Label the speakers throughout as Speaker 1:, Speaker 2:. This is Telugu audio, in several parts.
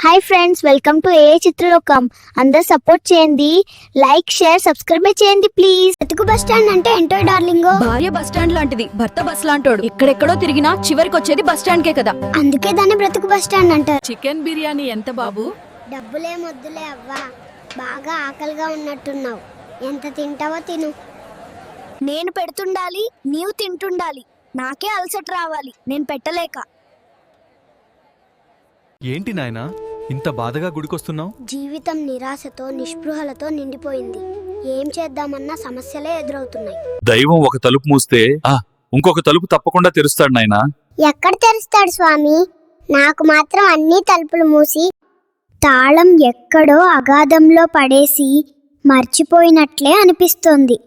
Speaker 1: Hi friends, welcome to a చిత్రలోకం. అందరు సపోర్ట్ చేయండి, లైక్ షేర్ సబ్స్క్రైబ్ చేయండి ప్లీజ్. బ్రతుకు బస్ స్టాండ్ అంటే ఏంటో డార్లింగో.
Speaker 2: భార్య బస్ స్టాండ్ లాంటిది, భర్త బస్ లాంటోడు. ఎక్కడెక్కడో తిరిగినా చివరికి వచ్చేది బస్ స్టాండ్ కే కదా.
Speaker 1: అందుకే దాన్ని బ్రతుకు బస్ స్టాండ్ అంటారు.
Speaker 2: చికెన్ బిర్యానీ ఎంత బాబు?
Speaker 1: డబ్బులే మొద్దులే అవ్వా, బాగా ఆకలిగా ఉన్నట్టున్నావు. ఎంత తింటావో తిను. నేను పెడుతుండాలి, నీవు తింటుండాలి. నాకే అలసట రావాలి, నేను పెట్టలేక.
Speaker 3: ఏంటి నాయనా ఇంత బాధగా గుడికొస్తున్నావు?
Speaker 1: జీవితం నిరాశతో నిస్పృహలతో నిండిపోయింది. ఏం చేద్దామన్నా సమస్యలే ఎదురవుతున్నాయి.
Speaker 4: దైవం ఒక తలుపు మూస్తే ఇంకొక తలుపు తప్పకుండా తెరుస్తాడు నాయనా.
Speaker 1: ఎక్కడ తెరుస్తాడు స్వామి? నాకు మాత్రం అన్ని తలుపులు మూసి తాళం ఎక్కడో అగాధంలో పడేసి మర్చిపోయినట్లే అనిపిస్తోంది.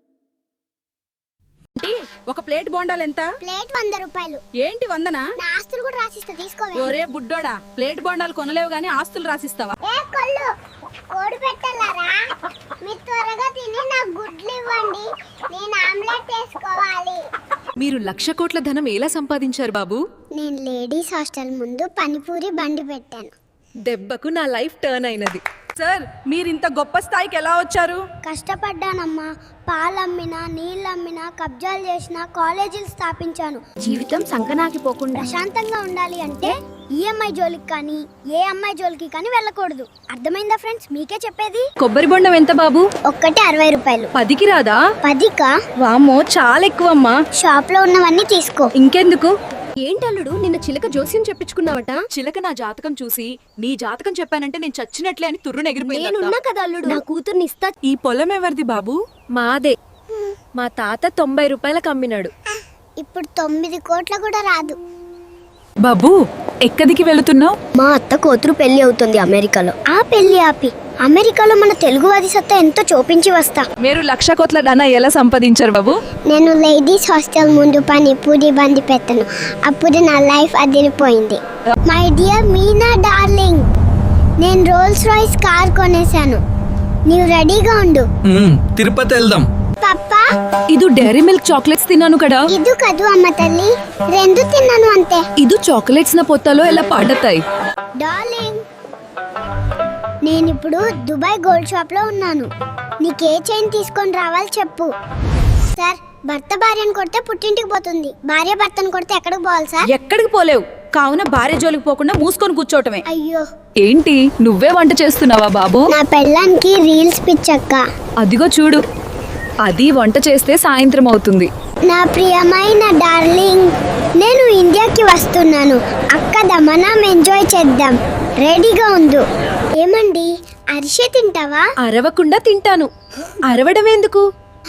Speaker 2: ఒక ప్లేట్ బోండాలు ఎంత?
Speaker 1: ప్లేట్ 100 రూపాయలు.
Speaker 2: ఏంటి 100నా?
Speaker 1: నా ఆస్తులు కూడా రాసిస్తా, తీసుకోవే.
Speaker 2: ఒరే బుడ్డోడా, ప్లేట్ బోండాలు కొనలేవు గానీ ఆస్తులు రాసిస్తావా?
Speaker 1: కోడి పెట్టలారా, మీరు త్వరగా తిని నాకు గుడ్లు ఇవ్వండి, నేను ఆమ్లెట్ వేసుకోవాలి.
Speaker 2: మీరు 1,00,000 కోట్ల ధనం ఎలా సంపాదించారు బాబు?
Speaker 1: నేను లేడీస్ హాస్టల్ ముందు పనిపూరి బండి పెట్టాను.
Speaker 2: దెబ్బకు నా లైఫ్ టర్న్ అయినది. సార్, మీరు ఇంత గొప్ప స్థాయికి ఎలా వచ్చారు?
Speaker 1: కష్టపడ్డానమ్మా. పాలమ్మినా, నీళ్ళమ్మినా, కబ్జాలు చేసినా, కాలేజీలు స్థాపించాను. జీవితం సంకనాకిపోకుండా ప్రశాంతంగా ఉండాలి అంటే ఈఎంఐ జోలికి కానీ ఏ అమ్మాయి జోలికి కానీ వెళ్ళకూడదు. అర్థమైందా ఫ్రెండ్స్? మీకే చెప్పేది.
Speaker 2: కొబ్బరి బొండం ఎంత బాబు?
Speaker 1: ఒక్కటి 60 రూపాయలు.
Speaker 2: 10కి రాదా?
Speaker 1: 10కా?
Speaker 2: వామ్మో, చాలా ఎక్కువమ్మా.
Speaker 1: షాప్ లో ఉన్నవన్నీ తీసుకో.
Speaker 2: ఇంకెందుకు? ఏంటల్లుడు, నిన్న చిలక జోస్యం చెప్పించుకున్నావట? చిలక నా జాతకం చూసి నీ జాతకం చెప్పానంటే నేను చచ్చినట్లే అని తుర్రు
Speaker 1: నేనున్నా కదా అల్లుడు, నా కూతుర్ని ఇస్తా.
Speaker 2: ఈ పొలం ఎవరిది బాబు? మాదే. మా తాత 90 రూపాయలకు అమ్మినాడు.
Speaker 1: ఇప్పుడు 9 కోట్ల కూడా రాదు.
Speaker 2: బాబు, ఎక్కడికి వెళుతున్నావు?
Speaker 1: మా అత్త కూతురు పెళ్లి అవుతుంది అమెరికాలో. ఆ పెళ్లి ఆపి అమెరికాలో మన తెలుగువాది సత్తా ఎంతో చూపించి వస్తా.
Speaker 2: మీరు 1,00,000 కోట్ల ధన ఎలా సంపాదించారు బాబు?
Speaker 1: నేను లేడీస్ హాస్టల్ ముందు పనిపూరి బండి పెట్టాను. అప్పుడు నా లైఫ్ అదిరిపోయింది. మై డియర్ మీనా డార్లింగ్, నేను రోల్స్ రాయ్స్ కార్ కొనేశాను. నీవు రెడీగా ఉండు.
Speaker 3: తిరుపతి వెళ్దాం.
Speaker 1: పప్పా,
Speaker 2: ఇది డైరీ మిల్క్ చాక్లెట్స్ తిన్నాను కదా.
Speaker 1: ఇది కదు అమ్మ తల్లి, 2 తిన్నాను అంతే.
Speaker 2: ఇది చాక్లెట్స్ నా పొత్తలో ఎలా పాడతాయి?
Speaker 1: డార్లింగ్, నేనిప్పుడు దుబాయ్ గోల్డ్ షాప్ లో ఉన్నాను. నీకే చైన్ తీసుకొని రావాలి చెప్పు. సార్, భర్త భార్యను కొడితే పుట్టింటికి పోతుంది, భార్య భర్తను కొడితే ఎక్కడికి పోవాలి సార్?
Speaker 2: ఎక్కడికి పోలేవు, కావున భార్య జోలికి పోకుండా మూసుకొని కూర్చోవటమే.
Speaker 1: అయ్యో,
Speaker 2: ఏంటి నువ్వే వంట చేస్తున్నావా బాబు?
Speaker 1: నా పెళ్ళానికి రీల్స్ పిచ్చక్క.
Speaker 2: అదిగో చూడు, అది వంట చేస్తే సాయంత్రం అవుతుంది.
Speaker 1: నా ప్రియమైన డార్లింగ్, నేను ఇండియాకి వస్తున్నాను. అక్క దమనం ఎంజాయ్ చేద్దాం. రెడీగా ఉండు. ఏమండి, అరిసె తింటావా?
Speaker 2: అరవకుండా తింటాను. అరవడం ఎందుకు?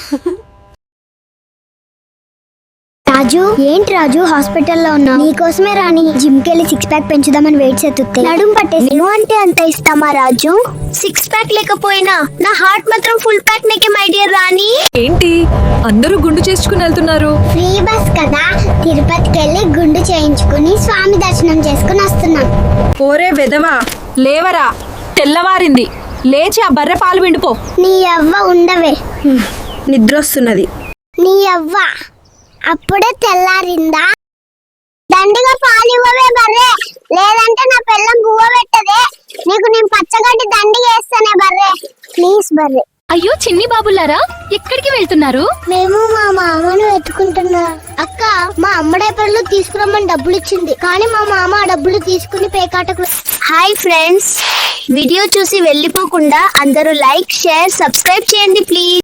Speaker 1: రాజు, ఏంటి రాజు హాస్పిటల్లో ఉన్నావు? నీకోసమే రాని జిమ్ కెళ్ళి 6 ప్యాక్ పెంచుదామని వెయిట్ చేతుతే నడుం పట్టేసి. నువ్వు అంటే అంత ఇస్తామా రాజు? 6 ప్యాక్ లేకపోయినా నా హార్ట్ మాత్రం ఫుల్ ప్యాక్ నీకే మై డియర్ రాణి.
Speaker 2: ఏంటి అందరూ గుండు చేసుకుని వెళ్తున్నారు?
Speaker 1: ఫ్రీ బస్ కదా, తిరుపతికి వెళ్ళి గుండు చేయించుకుని స్వామి దర్శనం చేసుకుని వస్తున్నాం.
Speaker 2: ఓరే వెదవా, లేవరా, తెల్లవారింది. లేచి ఆ బర్రె పాలు విండిపో.
Speaker 1: నీ అవ్వ ఉండవే,
Speaker 2: నిద్ర వస్తున్నది.
Speaker 1: నీ అవ్వ అప్పుడే తెల్లారిందా? దండిగా పాలు ఇవ్వవే బర్రె, లేదంటే నా పిల్లం బువ్వ పెట్టదే. నీకు నేను పచ్చగడ్డి దండిగా వేస్తానే బర్రె, ప్లీజ్ బర్రె.
Speaker 5: అయ్యో చిన్ని బాబులారా, ఎక్కడికి వెళ్తున్నారు?
Speaker 1: మేము మా మామను వెతుకుంటున్నా. అక్క, మా అమ్మ డైపర్లు తీసుకురమ్మని డబ్బులు ఇచ్చింది, కానీ మా మామ ఆ డబ్బులు తీసుకుని పేకాటకు. హాయ్ ఫ్రెండ్స్, వీడియో చూసి వెళ్ళిపోకుండా అందరూ లైక్ షేర్ సబ్స్క్రైబ్ చేయండి ప్లీజ్.